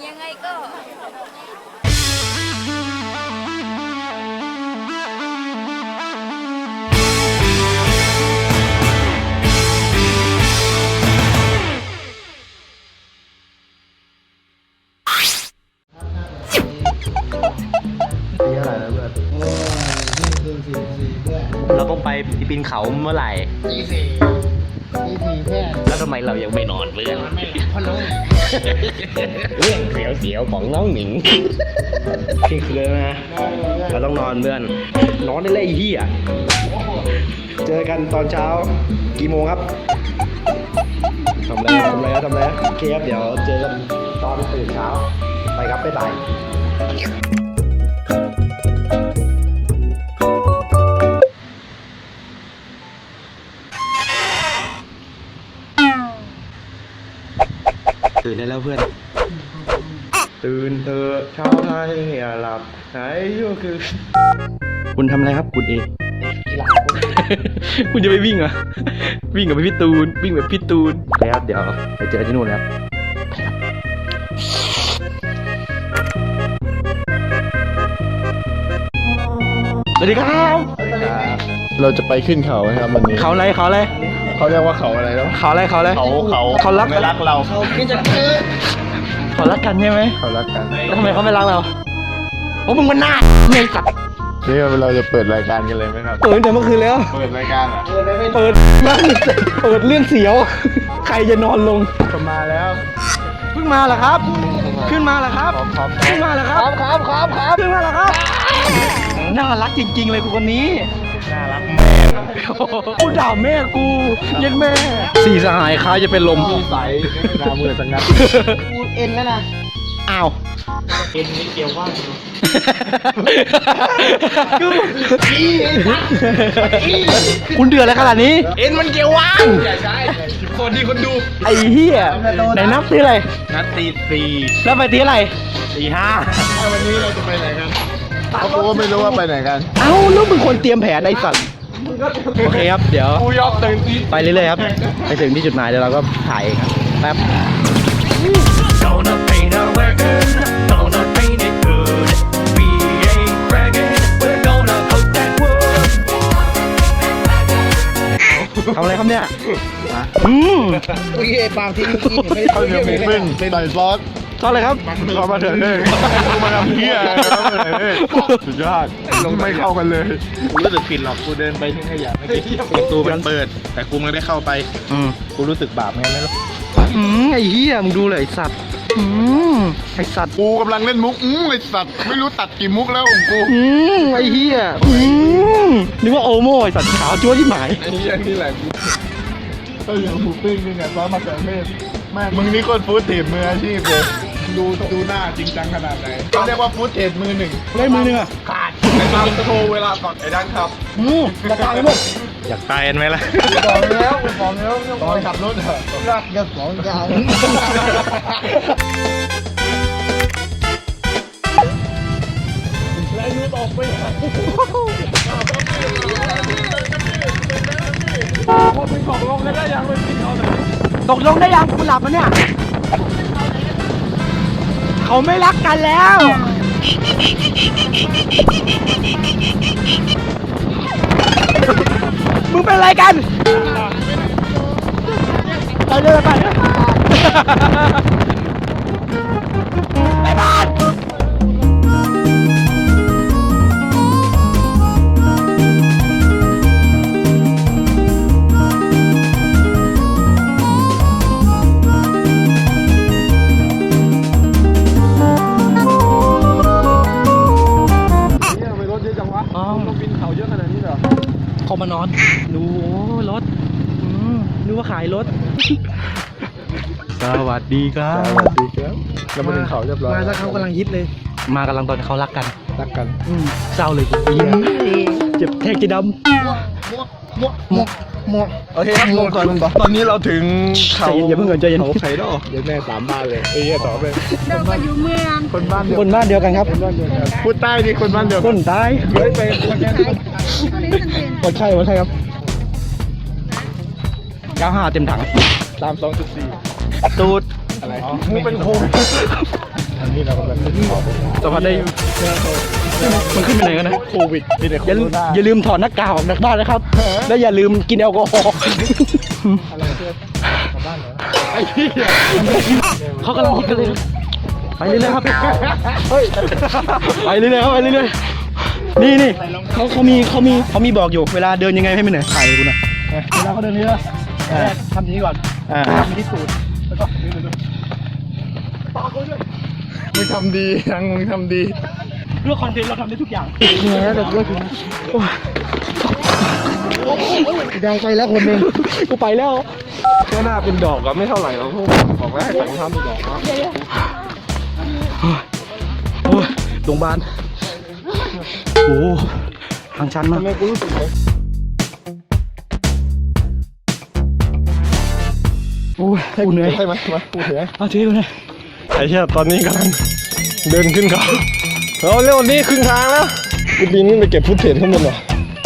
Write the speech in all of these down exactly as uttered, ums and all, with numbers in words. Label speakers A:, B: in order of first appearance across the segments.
A: ยังไงก็
B: ปีเท่าไหร่แล้วเพื่อนเราต้องไปปีนเขาเมื่อไหร่ตีสี่ตีสี่แค่แล้วทำไมเรายังไม่นอนเพื่อนไม่เพราะน้องเรื่องเสียวๆของน้องหนิงที่คือนะเราต้องนอนเพื่อนนอนได้เลยไอ้เหี้ยเจอกันตอนเช้ากี่โมงครับทำอะไรทำอะไรทำอะไรโอเคครับเดี๋ยวเจอกันตอนตื่นเช้าไปครับบ๊ายบายตื่นได้แล้วเพื่อนตื่นเถอะเช้าไทยอย่าหลับไหนก็คือคุณทำอะไรครับคุณเอคุณจะไปวิ่งเหรอวิ่งกับพี่ตูนวิ่งแบบพี่ตูนแล้วเดี๋ยวไปเจอที่นู่นแล้วสวัสดีครับ
C: เราจะไปขึ้นเขาครับวันนี้
B: เขาอะไรเขาอะไร
C: เขาเรียกว่าเขาอะไรแล้ว
B: เขาอะไรเขาอะไร
C: เขาเขา
B: เขารัก
C: ไม่รักเรา
B: เขาคิดจะเจอเขารักกันใช่ไหม
C: เขารักกัน
B: แล้วทำไมเขาไม่รักเราเพราะมึงมันหน้าเมย์สัตว์
C: นี่เราจะเปิดรายการกันเลยไหมครับ
B: เปิดแต่เมื่อคืนแล้ว
C: เปิดรายการเหรอ
B: เปิดนั่งเปิดเรื่องเสียว ใครจะนอนลง
C: ก็มาแล้ว
B: เพิ่งมาเหรอครับ ขึ้นมาเหรอครับ
C: ครับ
B: ขึ้นมาเหรอครับครับครับครับขึ้นมาเหรอครับน่ารักจริงๆเลยกูคนนี้น่ารักแม่กูด่าแม่กูเย็นแม่สี่สหายคล้ายจะเป็นลม
C: ใสหน้ามือสังงัด
B: กูเอ็นแล้วนะอ้าวเอ็นนี่เกี่ยวว่างคุณเดือดอะไรขนาดนี้เอ็นมันเกี่ยวว่างใช่คนดีคนดูไอ้เหี้ยไหนนับตีอะไรนับตีสี่แล้วไปตีอะไรตีห้า
C: วันนี้เราจะไปไหนกันเขาบอกว่าไม่รู้ว่าไปไหนกัน
B: เอ้าแล้วมึงคนเตรียมแผนไอ้สัตว์โอเคครับเดี๋ยวไปเรื่อยๆครับไปถึงที่จุดหมายเดี๋ยวเราก็ถ่ายเองครับแป๊บ
D: Gonna paint a record, gonna paint it good. We ain't bragging, we're gonna coat that wood.
B: ทำอะไรครับเนี่ยอืม
C: ข้าวเหนียวหมูปิ้งใส่ซอส
B: ทอดอะไรครับ
C: ซอสมะเขือเทศกูมาทำเพี้ยอะไรมะเขือเทศสุดยอดไม่เข้ากันเลยกูรู้สึกผิดหรอกกูเดินไปที่ขยะไม่กี่ประตูมันเปิด แต่กูไม่ได้เข้าไป
B: อืม
C: กูรู้สึกบาปไงไม่รู้
B: อืมไอ้เหี้ยมึงดูเลยไอ้สัตว์อืมไอ้สัตว์
C: กูกำลังเล่นมุกอืมไอสัตว์ไม่รู้ตัดกี่มุกแล้วของกู
B: อืมไอ้เหี้ยอืมนึกว่าโอโม่ไอ้สัตว์ขาวจั๊วที่หมาย
C: ไอ้เหี้ยนี่แหละกูข้าวเหนียวหมูปิ้งนี่เนี่ยซอสมะเขือเทศแม่มึงนี่โคตรฟู้ดเทรดมืออาชีพเลยดูดูหน้าจริงจังขนาดไหนเขาเรียกว่าฟู้ดเทรดมือหนึ่ง
B: ได้มือหนึงอ่ะ
C: ขาดในตามโทรเวลาก่อนไอ้ดังครับ
B: อืมราคาไม่หมด
C: อยากตายไหมล่ะบอกแล้วบอกแล้วตอนขับรถเหรอรักจะสองอย่าง
B: ตกลงได้ยังคุณหลับมันเนี่ยเขาไม่รักกันแล้วมึงเป็นอะไรกันไปเลยไปเลยไปบ้านเขามานอนดูโอ้รถอืมนึกว่าขายรถ สวัสดีครับ
C: สวัสดีครับเรามาถึงเขาเรียบร้อย
B: มาแล้วเขากำลังฮิตเลย มากำลังตอนเขารักกัน
C: รักกัน
B: อืมเศร้าเลยกูเหี้ยเจ็บแทกจะดำหมกหมกโอเคครับลงก่อนลงก่อน
C: ตอนนี้เราถึงเขา
B: ใจเย็นอย่าเพิ่งเกินใจเย็น
C: เขาไข่ดอกเดี๋ยวแม่สามบ้านเลยเอ้ยต่อไป
A: เราก็อยู่เมือง
C: คนบ้านเดียว
B: คนบ้านเดียวกันครับ
C: คนบ้านเดียวกันพูดใต้นี่คนบ้านเดียว
B: ค
C: กัน
B: นตาย
C: เฮ้ยไปคนแค่
B: หมดใช่หมดใช่ครับเก้าห้าเต็มถัง
C: สามสองจุดสี่
B: ตูด
C: อะไรมึงเป็นโควิดอันนี้เรากำลังขึ้นเขา
A: สัมผัสได้มันขึ้นไปไหนกันนะ
C: โควิดมีแต่โค
A: อย่าลื
C: วิ
A: ม
C: ด
A: อย่าลืมถอดหน้ากากออกจากบ้านนะครับ แล้วอย่าลืมกินแอลกอฮอล์
C: อะไรเพื่อนกลับบ้านเหรอ
A: ไอ้พี่เขากำลังคิดกันเลยครับไปเรื่อยๆครับเฮ้ยไปเรื่อยๆครับไปเรื่อยๆนี่นี่เขาเขามีเขามีเขามีบอกอยู่เวลาเดินยังไงให้ไม่เหนื่อยถ่ายกูหน่อยเวลาเขาเดินนี่นะทำนี้ก่อนทำที่ตูดแล้วก็นี่เลย
C: มึงทำดียังมึงทำดี
A: เพื่อคอนเทนต์เราทำได้ทุกอย่างเหนื่อยแล้วแต่ก็คือดังไปแล้วคนหนึ่งกูไปแล้ว
C: แค่หน้าเป็นดอกก็ไม่เท่าไหร่หรอกพวกบอกแล้วให้ใส่รองเท้าเป็นดอกนะ
A: โอ้ยโรงพยาบาลโอ้ทางชันมาก
C: ทำไมกูรู้สึกเลย
A: โอ้ยกูเหนื่อย
C: ใช่ไหมมากูถือ
A: เอาถือกูหน่อย
C: ไอ้เชี่ยตอนนี้กำลังเดินขึ้นเขาเราเร็วนี้ครึ่งทางแล้วกูปีนขึ้นไปเก็บฟุตเทจข้างบนเหรอ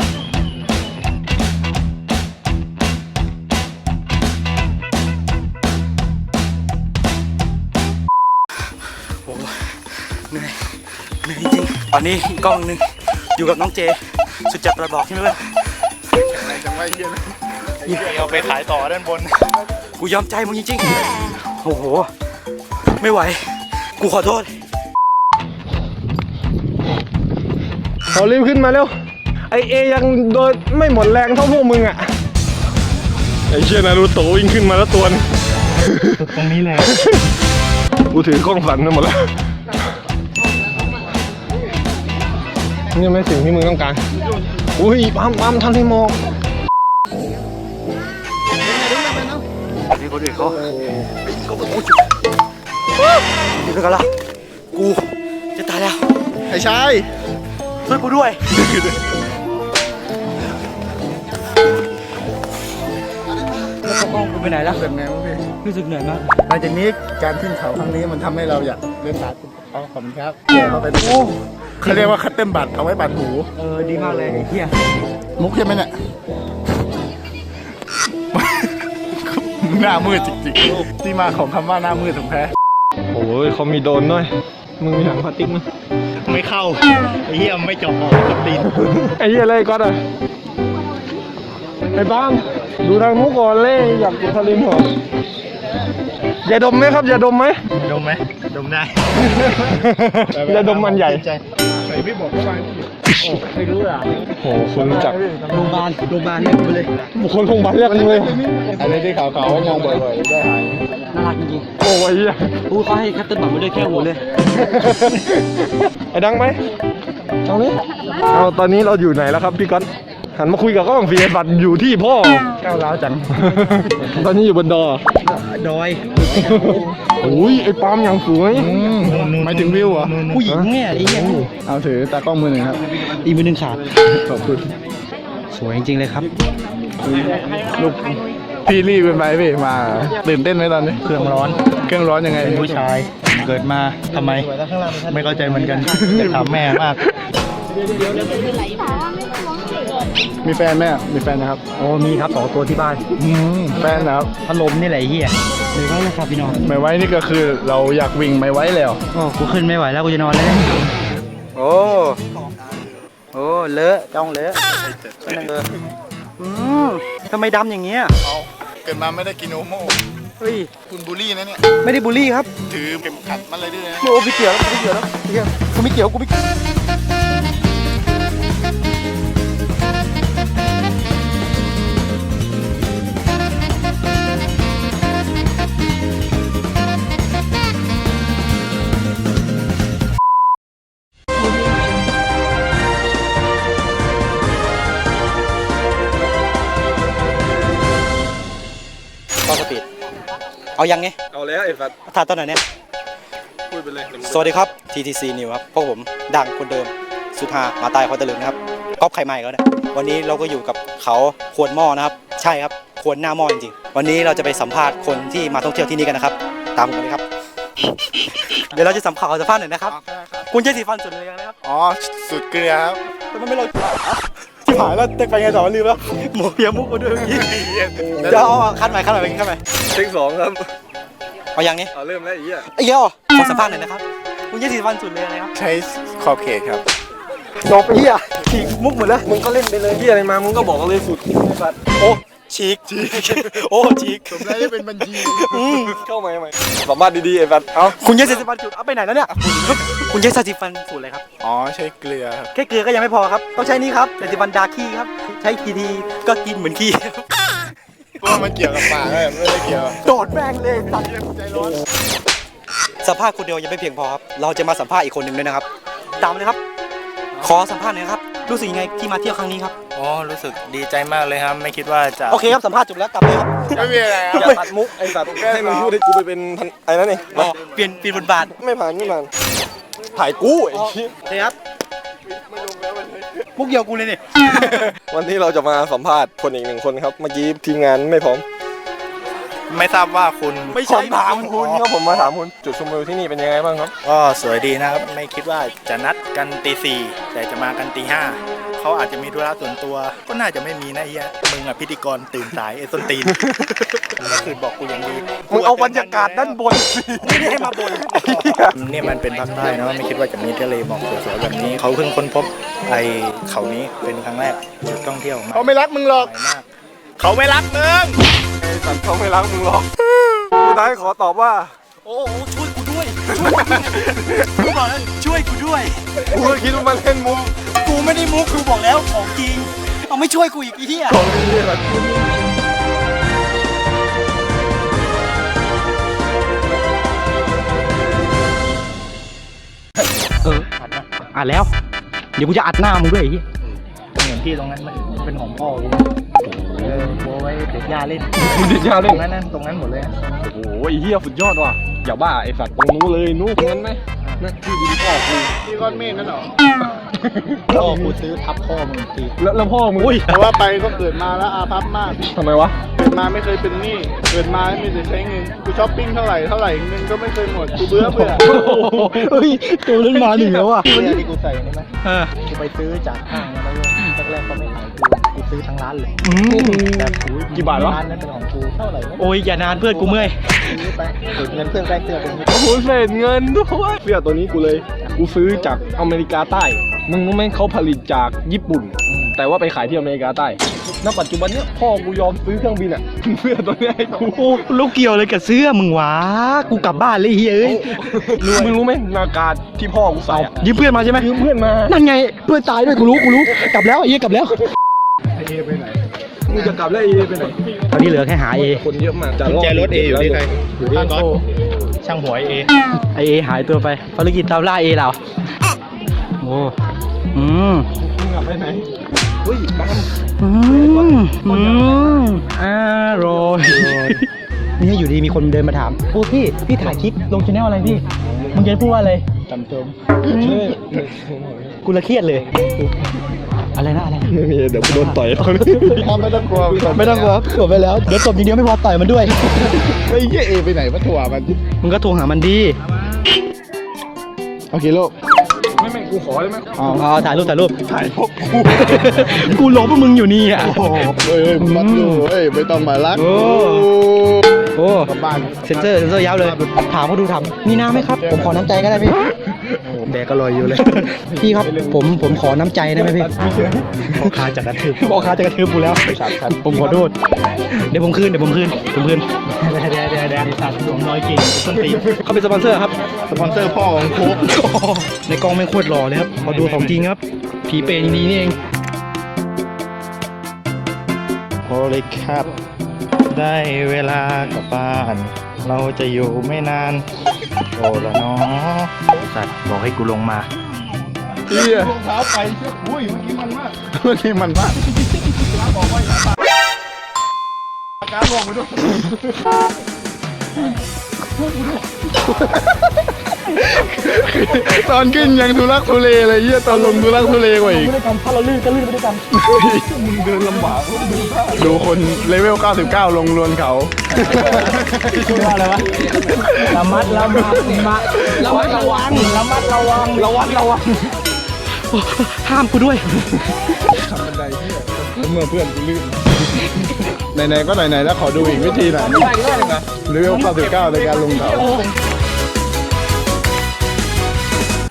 A: เหนื่อยเหนื่อยจริงตอนนี้กล้องหนึ่งอยู่กับน้องเจ สุดจัดประบอกใช่ไหมเพื่อน
C: อะไรจังไวเฮียนะเอาไปขายต่อด้านบน
A: กูยอมใจมึงจริงๆโอ้โหไม่ไหวกูขอโทษ
C: เขารีบขึ้นมาเร็วไอเอยังโดยไม่หมดแรงเท่าพวกมึงอ่ะไอเชี่ยนารูโตะวิ่งขึ้นมาแล้วตัวนึง
A: ตรงนี้เลย
C: กูถือกล้องสั่นไปหมดแล้วนี่ไม่สิ่งที่มึงต้องการอุ้ยปั๊มปั๊มทำให้มอง
A: นี่คนอื่นเขาเขาไปกูนี่เป็นกันละกูจะตายแล้ว
C: ไอ้ชาย
A: ช่วยกูด้วยแล้วก็กล้องกูไปไหนแล้ว
C: เป็นไงวะพี่
A: รู้สึกเหนื่อยมาก
C: หลังจากนี้การขึ้นเขาครั้งนี้มันทำให้เราอยากเล่นบาสขอบคุณครับแย่เข้าไปโอ้เขาเรียกว่าคัตเติ้ลบัตรเอาไว้บัตรหู
A: เออดีมากเลยไอ้เหี้ย
C: มุกใช่ไหมเนี่ย หน้ามืดจริงๆที่มาของคำว่าหน้ามืดของแท้โอ้ยเขามีโดนด้วยมึงมีถังพลาสติกมั้ย
A: ไม่เข้าไอ้เหี้ยไม่จบออกกับตีน
C: ไอ้เหี้ยอะไรก็ได้ไอ้บ้างดูทางมุกก่อนเลยอยากกินทะเลหมอกอย่าดมไหมครับอย่าดมไหม
A: ดมไหมดมได้
C: อย่าดมมันใหญ่
A: ใส่ไม่บอกว่าไม่รู้อ่ะ
C: โอ้คุณรู้จัก
A: โรงพยาบาลโรงพยาบาลเนี่ยไปเลย
C: บุคคลโรงพยาบาลเรียกมึงเลยอันนี้ที่ขาวๆมองบ่อยๆได้หาย
A: น่ารักจริง
C: โอ้ยเหี้ย
A: ๆพูดเขาให้คัตเติ้ลบัตรมาด้วยแค่หัวเลย
C: ไอ้ดังไหมเอาเลยเอาตอนนี้เราอยู่ไหนแล้วครับพี่ก๊อตหันมาคุยกับกล้องฟีบัตรอยู่ที่พ่อ
A: ก้าวร้าวจัง
C: ตอนนี้อยู่บนดอ
A: ดอย
C: โอ้ยไอ้ปาล์มอย่างสวยหมายถึงวิวเหรอ
A: ผู้หญิงเนี่ยไอ้เหี้ย
C: เอาถือตากล้องมือหนึ่งครับ
A: อีกมือหนึ่งขาด
C: ขอบคุณ
A: สวยจริงๆเลยครับ
C: ลูกพี่รีบเป็นไปพี่มาตื่นเต้นไหมตอนนี้
A: เครื่องร้อน
C: เครื่องร้อนยังไง
A: ผู้ชายเกิดมาทำไมไม่เข้าใจเหมือนกันจะถามแม่มาก
C: มีแฟนไหมอ่ะมีแฟนนะครับ
A: โอ้มีครับสองตัวที่บ้าน
C: อืมแฟนนะครับ
A: พัดลมนี่แหละไอ้เหี้ยเลยว่านะครับพี่น้อง
C: ไม่ไว้นี่ก็คือเราอยากวิ่งไม่ไว้แล้ว
A: โอ้กูขึ้นไม่ไหวแล้วกูจะนอนแล้วโอ้โอ้เลอะจ้องเลอะเลอะอืมทำไมดำอย่างเงี้ย
C: เอาเกิดมาไม่ได้กินโอโม่
A: เฮ้ย
C: คุณบูลลี่นะเนี่ย
A: ไม่ได้บูลลี่ครับ
C: ถือเข็มขัดมันเลยด้วยนะ
A: โอ้ไม่เกี่ยวแล้วกูไม่เกี่ยวแล้วเหี้ยกูไม่เกี่ยวกูไม่เกี่ยวต่อสปีดเอายังไง
C: เอาแล้วไอ้ฟัด
A: ถ่ายตอนไหนเนี่ย
C: พูดไปเลย
A: สวัสดีครับ ที ที ซี New ครับพวกผมดังคนเดิมสุดฮามาตายคอนตะลึงนะครับก๊อปไข่ใหม่แล้วเนี่ยวันนี้เราก็อยู่กับเขาควรหม้อนะครับใช่ครับควรหน้าหม้อจริงๆวันนี้เราจะไปสัมภาษณ์คนที่มาท่องเที่ยวที่นี่กันนะครับตามผมเลยครับ เดี๋ยวเราจะสัมภาษณ์สัมภาษณ์หน่อยนะครับคุณใช้สีฟันสุดเลยนะครับ
C: อ๋อสุดเกลือครับ
A: แต่มันไม่เราที่หายแล้วจะไปไงต่อลืมแล้วหมวกเพียมุกมาด้วยเมื่อกี้เดี๋ยวเอาคัดใหม่คัดใหม่ไปคัดใหม่
C: เทคสองครับ
A: เอายังนี้
C: เอาเริ่มแล้วไอ้เหี้ย
A: ไอ้เหี้ยขอสัมภาษณ์หน่อยนะครับคุณใช้สีฟันสุดเลยอะไรครับ
C: ใช้ขอบเขตครับ
A: จบไปเฮียฉีกมุกหมดแล้วมึงก็เล่นไปเลยเฮียอะไรมามึงก็บอกเลยสุดโอ้ฉีกฉีกโอ้ฉีก
C: ผมได้เป็นบัญชี
A: เข้ามาใหม่
C: สามารถดีๆไอ้บัตรเอ้า
A: คุณใช้สีฟันจุดเอาไปไหนแล้วเนี่ยคุณใช้สีฟันสูตรอะไรครับ
C: อ๋อใช้เกลือครับ
A: แค่เกลือก็ยังไม่พอครับต้องใช้นี่ครับสีฟันดาขี้ครับใช้ทีทีก็กินเหมือนขี้
C: เพราะว่ามันเกี่ยวกับปากเลยไม่ได้เกี่ยว
A: โดดแม่งเลยสัตว์ใจร้อนสัมภาษณ์คนเดียวยังไม่เพียงพอครับเราจะมาสัมภาษณ์อีกคนหนึ่งด้วยนะครับตามเลยครับ ขอสัมภาษณ์หน่อยครับรู้สึกยังไงที่มาเที่ยวครั้งนี้ครับ
E: อ๋อรู้สึกดีใจมากเลยครับ ไม่คิดว่าจะ
A: โอเคครับสัมภาษณ์จบแล้วกลับเลยครับ
C: ไม่มีอะไรครับ
F: อย่าตัดมุกไอ้สัตว์ให้มึงพูดให้กูไปเป็นพันไอ้นั่นเอง
A: อ๋อเปลี่ยนเปลี่ยนบทบาท
F: ไม่ผ่านไม่ผ่านถ่ายกูไอ้ชี้
A: โอเคครับมุกเดียวกูเลยนี่
F: วันนี้เราจะมาสัมภาษณ์คนอีกหนึ่งคนครับ เมื่อกี้ทีมงานไม่พร้อม
E: ไม่ทราบว่าคุณ
A: ไม่
F: ผ
A: ใช่
F: มถามคุณครับผมมาถามคุณจุดชมวิวที่นี่เป็นยังไงบ้างครับ
E: ก็สวยดีนะครับ ไม่คิดว่าจะนัดกันตีสี่แต่จะมากันตีห้าเขาอาจจะมีธุระส่วนตัว ก็น่าจะไม่มีนะเฮียมึงอะพิธีกรตื่นสายไอ้ส้นตีนเมื่อคืนบอกกูอย่างดี
F: มึงเอาบรรยากาศด้านบน
A: ไม่ได้ให้มาบ่น
E: เนี่ยมันเป็นภาคใต้นะไม่คิดว่าจะมีทะเลหมอกสวยๆแบบนี้เขาเพิ่งค้นพบไอ้เขานี้เป็นครั้งแรกจุดท่องเที่ยวมา
C: เขาไม่รักมึงหรอก
E: สวยมากเขาไม่รักมึง
F: ไอ้สัตว์เขาไม่รักมึงหรอกสุดท้ายขอตอบว่า
A: โอ้โหช่วยกูด้วยกูบอกแล้วช่วยกูด้วย
F: กูก็คิดว่ามันเล่นมุก
A: กูไม่ได้มุกกูบอกแล้วของจริงเอาไม่ช่วยกูอีกไอ้เหี้ย
F: ของดีแบบ
A: เอออัดแล้วเดี๋ยวกูจะอัดหน้ามึงด้วยไอ้เหี้ย
E: เหมือนที่ตรงนั้นมันเป็นของพ่อกูเออโบไว้เด็กยาเล่น
F: ดิจา
E: ต
F: เล่
E: ร
F: น
E: งนั้นนั่นตรงนั้นหมดเลยนะ
F: โอ้โหไอ้เหี้ยสุดยอดว่ะอย่าบ้าไอ้สัตว์ตรงนู้นเลยนู้นตรงนั้นไหมนั่นที่ดินพ่อกู
C: ที่ก้อนเมฆนั่นหรอ
E: พ่อกูซื้อทับพ่อมึงที
F: แล้วแล้วพ่อมึง
C: แต่ว่าไปก็เกิดมาแล้วอาภัพมาก
F: ทำไมวะ
C: เกิดมาไม่เคยเป็นหนี้เกิดมาไม่มีแต่ใช้เงินกูช้อปปิ้งเท่าไหร่เท่าไหร่เงินก็ไม่เคยหมดกูเบื่อเบื่อ
A: เฮ้ยตัวนั้นมาหนึ่งแล้วอ่ะ
E: เสื้อที่กูใส่นี่ไหม
A: เออ
E: กูไปซื้อจากห้างมาแล้วแรกๆก็ไม่ขายกูกูซื้อทั้งร้านเลย
A: อืม
E: แต่กู
F: กี่บาทวะ
E: ร้านนั้นเป็นของกูเท่าไหร่ไม่
A: โอ้ยอย่านานเพื่อนกูเมื่อย
E: ซื้อไปเก็บเงินเพื่อนแรกเสื้อเป็น
F: โอ้โหเศษเงินด้วยเสื้อตัวนี้กูเลย กูซื้อจากอเมริกาใต้ มึงรู้ไหมเขาผลิตจากญี่ปุ่น แต่ว่าไปขายที่อเมริกาใต้ณปัจจุบันเนี้ยพ่อกูยอมซื้อเครื่องบินอ่ะ เสื้อตัวเนี้ยให้กู
A: โอ้ลูกเกี่ยวเลยกับเสื้อมึงวะกูกลับบ้านเลยเฮ้ยเอ้ย
F: มึงรู้ไหมนาการที่พ่อกูใส่อะ
A: ยืมเพื่อนมาใช่ไหม
F: ยืมเพื่อนมา
A: นั่นไงเพื่อนตายด้วยกูรู้กูรู้กลับแล้วไอ้เหี้ยกลับแล้ว
F: มึงจะกลับแล้วเอไปไหน
A: ตอนนี้เหลือแค่หาเอ
F: คนเยอะมาก
E: กุญแจรถเออยู่ที่ใครอยู่ที่ก๊อตช่างหัวเอ
A: ไอเอหายตัวไปภารกิจตามล่าเอเราโอ้อืม
F: มึงกลับไปไหนเฮ้ยบ้าน
A: อืมอืมอร่อยนี่อยู่ดีมีคนเดินมาถามโอ้พี่พี่ถ่ายคลิปลงช anel อะไรพี่มึงจะพูดว่าอะไร
E: จำเติม
A: กูละเครียดเลย อะไรนะอะไรนะ
F: ไม่มีเดี๋ยวกูโดนต่อยตอนนี้
C: พ่อไม่ต้องกลัว
A: ไม่ต้องกลัวจบไปแล้วเดี๋ยวจบอย่างเดียวไม่พอต่อยมันด้วย
C: ไอ้เหี้ยเอไปไหนมาถั่วมัน
A: มึงก็โทรหามันดี
C: โอเคโลก
F: ไม่ไม่กูขอได้ไหม
C: อ๋อ
A: เอาถ่ายรูปถ่ายรูป
F: ถ่ายพวกกู
A: กูหลบพวกมึงอยู่นี่อ่ะ
C: เฮ้ยมัดอยู่เฮ้ยไม่ต้องมารัก
A: โอ้ โอ้
C: กลับบ้าน
A: เซนเซอร์เซนเซอร์ยับเลย ถามเขาดูถามมีน้ำไหมครับ ผมขอน้ำใจก็ได้พี่
E: แบกก็ลอยอยู่เลย
A: พี่ครับผมผมขอน้ำใจได้ไหมพี่พ่อค้าจะกระทืบพ่อค้าจะกระทืบกูแล้วผมขอโทษเดี๋ยวผมคืนเดี๋ยวผมคืนผมคืน
E: เดี๋ยวเดี๋ยวเดี๋ยวเดี๋ยวสัตว์หลวงน้อยเก่งต้นตีน
A: เขาเป็นสปอนเซอร์ครับ
C: สปอนเซอร์พ่อของโค้ก
A: ในกล้องแม่งโคตรหล่อเลยครับพอดูของจริงครับ ผีเปรตจริงๆนี่เอง
E: โอเลยครับ ได้เวลากลับบ้าน เราจะอยู่ไม่นาน โอ้ละเนาะสัตว์บอกให้กูลงมา
C: เหี้ยรองเท้าไปเชื่ออุ้ยเมื่อกี้มันมากเมื่อกี้มันมากอาการบอกไปด้วยตอนขึ้นยังทุลักทุเลเลยเหี้ยตอนลงทุลักทุเลกว่าอีก
A: ด้วยกันถ้าเราลื่นก็ลื่นไปด้วยกัน
C: มึงเดินลำบากดูคนเลเวลเก้าสิบเก้าลงลวนเขา
A: ชื่อว่าอะไรวะระมัดระมัดมาระมัดระวังระมัดระวังระวังระวังห้ามกูด้วย
C: เมื่อเพื่อนกูลื่นไหนๆก็ไหนๆแล้วขอดูอีกวิธีหน่อยเลเวลเก้าสิบเก้าในการลงเขา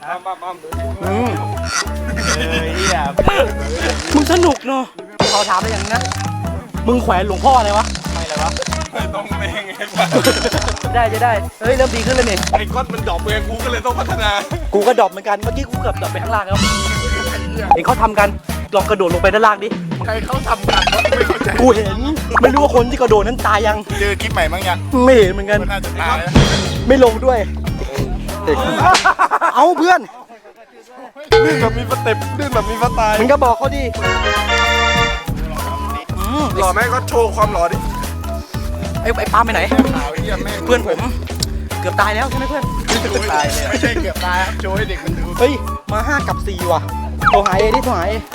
A: อืม
E: เออเฮีย
A: มึงสนุกเนาะขอถามอะไรอย่างนึงนะมึงแขวนหลวงพ่ออะไรวะ
E: ไม่เลยวะ
F: ต้องเองไง
A: ได้จะได้เฮ้ยเริ่มดีขึ้นเลยนี่
F: ไอ้ก้อนมันดรอปเองกูก็เลยต้องพัฒนา
A: กูก็ดรอปเหมือนกันเมื่อกี้กูเกือบดรอปไปข้างล่างแล้วเห็นเขาทำกันลองกระโดดลงไปด้านล่างดิ
E: ใครเขาทำกันวะไม่เข้าใจ
A: กูเห็นไม่รู้ว่าคนที่กระโดดนั้นตายยัง
E: เจอคลิปใหม่มั้งยัง
A: ไม่เห็นเหมือนกัน
E: มันน่าจะตายแล้ว
A: ไม่ลงด้วยเด็กเอาเพื่อน
F: ลื่นแบบมีสเต็ปลื่นแบบมีสไตล์
A: มึงก็บอกเขาดิอืม
F: หล่อไหมก็โชว์ความหล่อดิ
A: ไอ้ไอ้ปาล์มไปไหน
E: ข่าวเฮียแม่ง
A: เพื่อนผมเกือบตายแล้วใช่ไหมเพื่อน
E: ตายเลยไม่ใช่เกือบตายครับโชว์ให้เด็กมันดู
A: เฮ้ยมาห้ากับสี่ว่ะโทรหาเอดิโทรหาเอ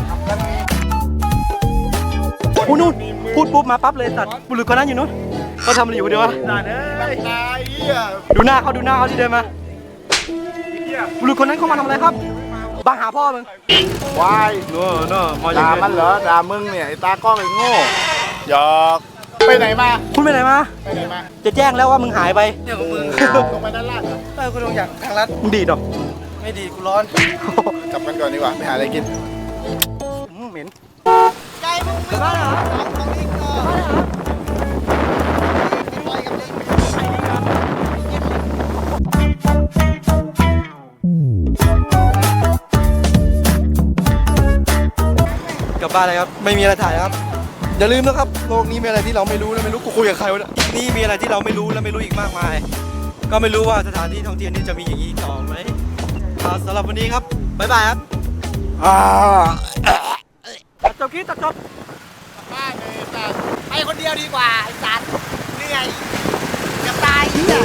A: พูดนู่นพูดปุ๊บมาปั๊บเลยสัตว์บุรุษคนนั้นอยู่นู้นเขาทำอะไรอยู่เดี๋ยววะ
E: ตายเลยตายเฮีย
A: ดูหน้าเขาดูหน้าเขาที่เดินมาบุรุษคนนั้นเขามาทำอะไรครับบังหาพ่อมึง
E: วาย
A: เนอะเนอะมาอย่า
E: ด่าง
A: เงี้
E: มันเหรอด่ามึงเนี่ยไอ้ตากล้องไอ้โง่หยอกไปไหนมา
A: คุณไปไหนมา
E: ไปไหนมา
A: จะแจ้งแล้วว่ามึงหายไป
E: เนี่ยของมึงลงไปด้านล่างเหรอ
A: เออคุณลงจากทางลัดมึงดีดเหรอ
E: ไม่ดีกูร้อน กลับกันก่อนดีกว่าไปหาอะไรกิน
A: อืมเหม็นกลับบ้านเลยครับ ไม่มีอะไรถ่ายครับ อย่าลืมนะครับ โลกนี้มีอะไรที่เราไม่รู้และไม่รู้กูคุยกับใครวะเนี่ยนี่มีอะไรที่เราไม่รู้และไม่รู้อีกมากมาย ก็ไม่รู้ว่าสถานที่ท่องเที่ยวนี้จะมีอย่างนี้ต่อไหมอ่าสำหรับวันนี้ครับ บ๊ายบายครับตัดจบคลิปตัดจบ
E: บ้านเลยแต่ไปคนเดียวดีกว่าไอ้สัตว์เหนื่อยจะตายเหี้ย